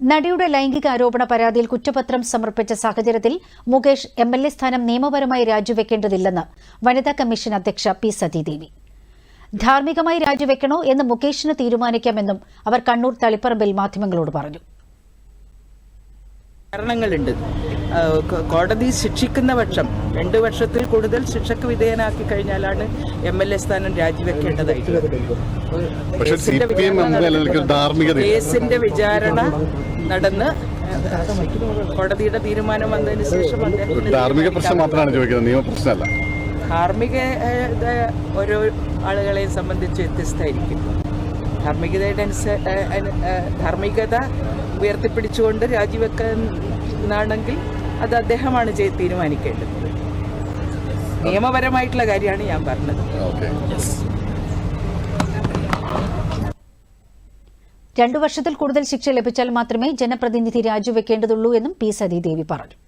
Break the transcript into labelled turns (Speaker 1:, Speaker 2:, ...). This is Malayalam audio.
Speaker 1: നടിയുടെ ലൈംഗിക ആരോപണ പരാതിയിൽ കുറ്റപത്രം സമർപ്പിച്ച സാഹചര്യത്തിൽ മുകേഷ് എംഎൽഎ സ്ഥാനം നിയമപരമായി രാജിവെക്കേണ്ടതില്ലെന്ന് വനിതാ കമ്മീഷൻ അധ്യക്ഷ പി സതീദേവി. ധാർമ്മികമായി രാജിവെക്കണോ എന്ന് മുകേഷിന് തീരുമാനിക്കാമെന്നും അവർ കണ്ണൂർ തളിപ്പറമ്പിൽ മാധ്യമങ്ങളോട് പറഞ്ഞു.
Speaker 2: കാരണങ്ങളുണ്ട്. കോടതി ശിക്ഷിക്കുന്ന പക്ഷം 2 വർഷത്തിൽ കൂടുതൽ ശിക്ഷയ്ക്ക് വിധേയനാക്കി കഴിഞ്ഞാലാണ് എംഎൽഎ സ്ഥാനം രാജിവെക്കേണ്ടതായിട്ടുള്ളത്. കേസിന്റെ വിചാരണ നടന്ന് കോടതിയുടെ തീരുമാനം വന്നതിന് ശേഷം ധാർമ്മിക ഓരോ ആളുകളെയും സംബന്ധിച്ച് വ്യത്യസ്തമായിരിക്കും. ധാർമ്മികത ഉയർത്തിപ്പിടിച്ചുകൊണ്ട് രാജിവെക്കാനാണെങ്കിൽ അത് അദ്ദേഹമാണ് തീരുമാനിക്കേണ്ടത്. നിയമപരമായിട്ടുള്ള കാര്യമാണ് ഞാൻ പറഞ്ഞത്.
Speaker 1: 2 വർഷത്തിൽ കൂടുതൽ ശിക്ഷ ലഭിച്ചാൽ മാത്രമേ ജനപ്രതിനിധി രാജിവെക്കേണ്ടതുള്ളൂ എന്നും പി സതീദേവി പറഞ്ഞു.